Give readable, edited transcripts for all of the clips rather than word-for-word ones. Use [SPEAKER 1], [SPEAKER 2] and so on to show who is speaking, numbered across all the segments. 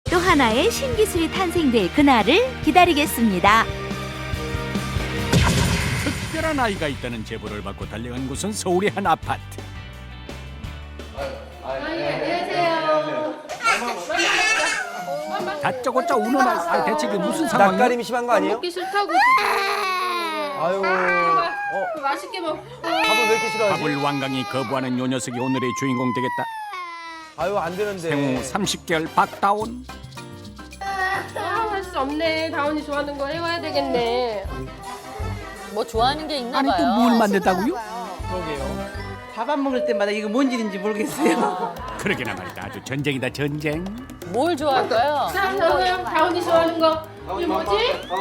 [SPEAKER 1] 또 하나의 신기술이 탄생될 그날을 기다리겠습니다.
[SPEAKER 2] 특별한 아이가 있다는 제보를 받고 달려간 곳은 서울의 한 아파트. 다짜고짜 우는 아이, 대체 이게 무슨 상황이야?
[SPEAKER 3] 낯가림이 심한 거 아니에요?
[SPEAKER 4] 먹기 싫다고.
[SPEAKER 3] 아유,
[SPEAKER 4] 맛있게 먹.
[SPEAKER 3] 밥을 왜 이렇게 싫어하지?
[SPEAKER 2] 밥을 완강히 거부하는 요 녀석이 오늘의 주인공 되겠다.
[SPEAKER 3] 아유, 안 되는데.
[SPEAKER 2] 생후 30개월 박다온.
[SPEAKER 4] 할 수 없네. 다운이 좋아하는 거 해와야 되겠네.
[SPEAKER 5] 뭐 좋아하는 게 있나
[SPEAKER 2] 아니
[SPEAKER 5] 봐요.
[SPEAKER 2] 또 뭘 만든다고요?
[SPEAKER 3] 그러게요.
[SPEAKER 6] 밥 안 먹을 때마다 이거 뭔 일인지 모르겠어요.
[SPEAKER 2] 그러게나 말이다. 아주 전쟁이다 전쟁.
[SPEAKER 5] 뭘 좋아할까요?
[SPEAKER 4] 다운이 좋아하는 거. 이게 뭐지?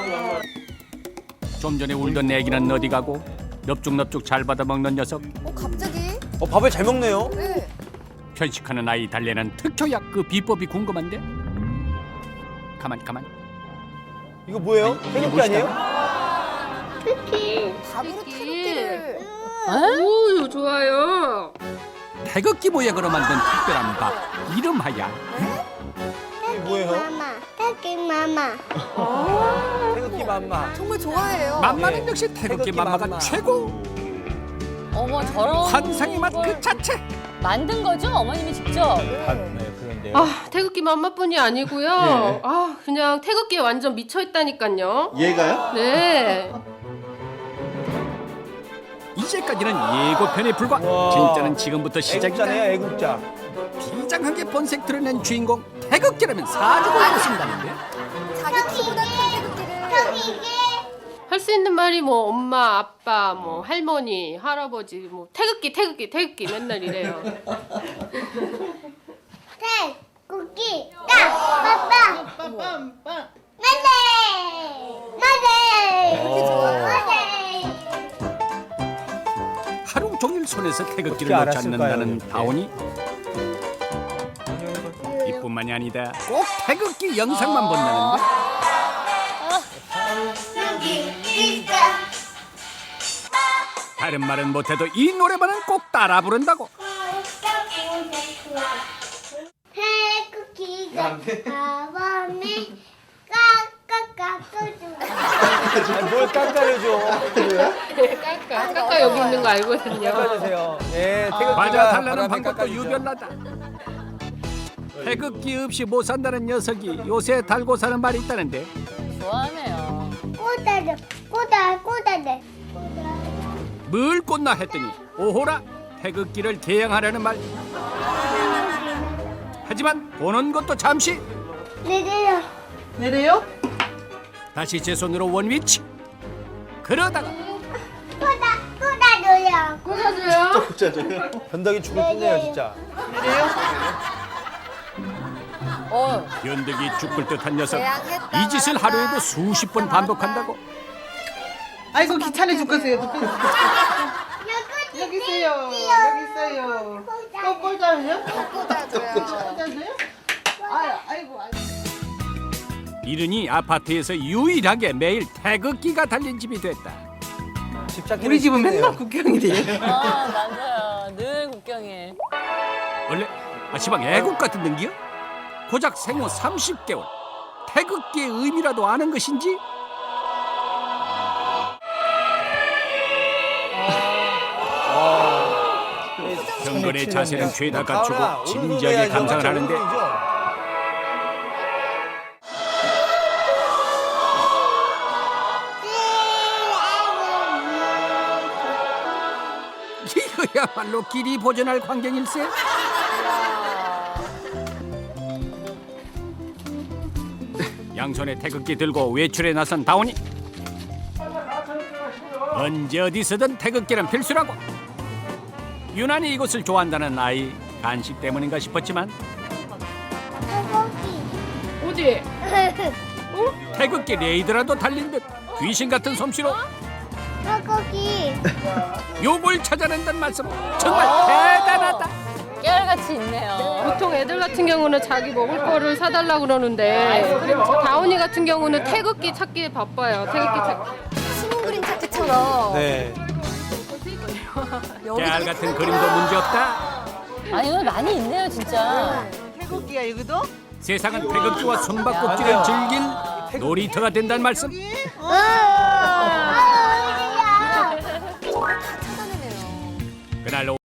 [SPEAKER 2] 좀 전에 울던 애기는 어디 가고 넙죽넙죽 잘 받아먹는 녀석.
[SPEAKER 7] 갑자기?
[SPEAKER 3] 밥을 잘 먹네요.
[SPEAKER 7] 네.
[SPEAKER 2] 편식하는 아이 달래는 특효약 그 비법이 궁금한데? 가만.
[SPEAKER 3] 이거 뭐예요? 태극기 아니에요?
[SPEAKER 7] 밥으로 태극기를.
[SPEAKER 4] 오, 좋아요.
[SPEAKER 2] 태극기 모양으로 만든 특별한 밥 이름하야
[SPEAKER 3] 이게 뭐예요?
[SPEAKER 8] 태극기 마마.
[SPEAKER 3] 태극기 맘마.
[SPEAKER 7] 정말 좋아해요.
[SPEAKER 2] 맘마는 역시 태극기
[SPEAKER 3] 태극기
[SPEAKER 2] 맘마가
[SPEAKER 3] 맘마.
[SPEAKER 2] 최고.
[SPEAKER 5] 어머 저런
[SPEAKER 2] 환상의 맛 그
[SPEAKER 5] 걸
[SPEAKER 2] 자체.
[SPEAKER 5] 만든 거죠? 어머님이 직접.
[SPEAKER 3] 네, 그런데요.
[SPEAKER 4] 아, 태극기 맘마뿐이 아니고요. 아, 그냥 태극기에 완전 미쳐 있다니까요.
[SPEAKER 9] 얘가요?
[SPEAKER 4] 네.
[SPEAKER 2] 이제까지는 예고편에 불과.
[SPEAKER 3] 와.
[SPEAKER 2] 진짜는 지금부터 시작이다.
[SPEAKER 3] 애국자네요, 애국자.
[SPEAKER 2] 비장하게 본색 드러낸 주인공 태극기라면 사주고 있습니다는데.
[SPEAKER 7] 자기 키보다 큰 태극기를.
[SPEAKER 4] 할 수 있는 말이 뭐 엄마, 아빠, 뭐 할머니, 할아버지, 뭐 태극기 맨날 이래요.
[SPEAKER 8] 태극기 딱 빠빠. 맞네.
[SPEAKER 2] 하루 종일 손에서 태극기를
[SPEAKER 3] 어떻게
[SPEAKER 2] 놓지
[SPEAKER 3] 알았을까요,
[SPEAKER 2] 않는다는
[SPEAKER 3] 이렇게?
[SPEAKER 2] 다온이. 이뿐만이 아니다. 꼭 태극기 영상만 본다는데. 다른 말은 못해도 이 노래만은 꼭 따라 부른다고.
[SPEAKER 8] 태극기가 가방에 까까까까줘.
[SPEAKER 3] 아니, 뭘 깎아내줘.
[SPEAKER 4] 까까 여기 있는 거 알거든요.
[SPEAKER 3] 깎아주세요. 예, 태극기가
[SPEAKER 2] 맞아 달라는
[SPEAKER 3] 바람에
[SPEAKER 2] 방법도
[SPEAKER 3] 깎아주죠.
[SPEAKER 2] 유별나다. 태극기 없이 못 산다는 녀석이 요새 달고 사는 말이 있다는데.
[SPEAKER 5] 좋아하네요.
[SPEAKER 8] 꼬다래.
[SPEAKER 2] 뭘 꽂나 했더니 오호라 태극기를 개양하려는 말. 하지만 보는 것도 잠시.
[SPEAKER 6] 내려요?
[SPEAKER 2] 다시 제 손으로 원위치. 그러다가
[SPEAKER 8] 꼬다줘요.
[SPEAKER 4] 꽂아줘요.
[SPEAKER 3] 변덕이 죽을 듯네요, 진짜.
[SPEAKER 2] 연덕이 죽을 듯한 녀석.
[SPEAKER 7] 개양했다,
[SPEAKER 2] 이 짓을
[SPEAKER 7] 말았다.
[SPEAKER 2] 하루에도 수십 번 반복한다고.
[SPEAKER 6] 아이고 귀찮아 죽겠어요. 여기 있어요. 꼬다요? 꼬다줘요? 아이고.
[SPEAKER 2] 이르니 아파트에서 유일하게 매일 태극기가 달린 집이 됐다.
[SPEAKER 3] 집착
[SPEAKER 6] 우리 집은 맨날 국경일이에요.
[SPEAKER 5] 아 맞아요. 늘 국경일.
[SPEAKER 2] 원래 시방 애국 같은 등기요? 고작 생후 30개월. 태극기의 의미라도 아는 것인지? 경건의 자세는 죄다 갖추고 진지하게 감상을 하는데 이거야말로 길이 보존할 광경일세. 양손에 태극기 들고 외출에 나선 다온이. 언제 어디서든 태극기는 필수라고. 유난히 이곳을 좋아한다는 아이. 간식 때문인가 싶었지만
[SPEAKER 4] 어디?
[SPEAKER 2] 태극기 레이더라도 달린 듯 귀신 같은 솜씨로
[SPEAKER 8] 태극기.
[SPEAKER 2] 요걸 찾아낸다는 말씀 정말 대단하다.
[SPEAKER 5] 깨알같이 있네요.
[SPEAKER 4] 보통 애들 같은 경우는 자기 먹을 거를 사달라고 그러는데 다운이 같은 경우는 태극기 찾기에 바빠요. 태극기 찾기.
[SPEAKER 7] 신문 그림 찾기처럼.
[SPEAKER 3] 네.
[SPEAKER 2] 깨알 같은 그림도 문제없다.
[SPEAKER 5] 아니 오늘 많이 있네요 진짜.
[SPEAKER 6] 태극기야 여기도?
[SPEAKER 2] 세상은 태극기와 숨바꼭질을 즐길 놀이터가 된다는 말씀.
[SPEAKER 7] 다 찾아내네요.
[SPEAKER 2] 그날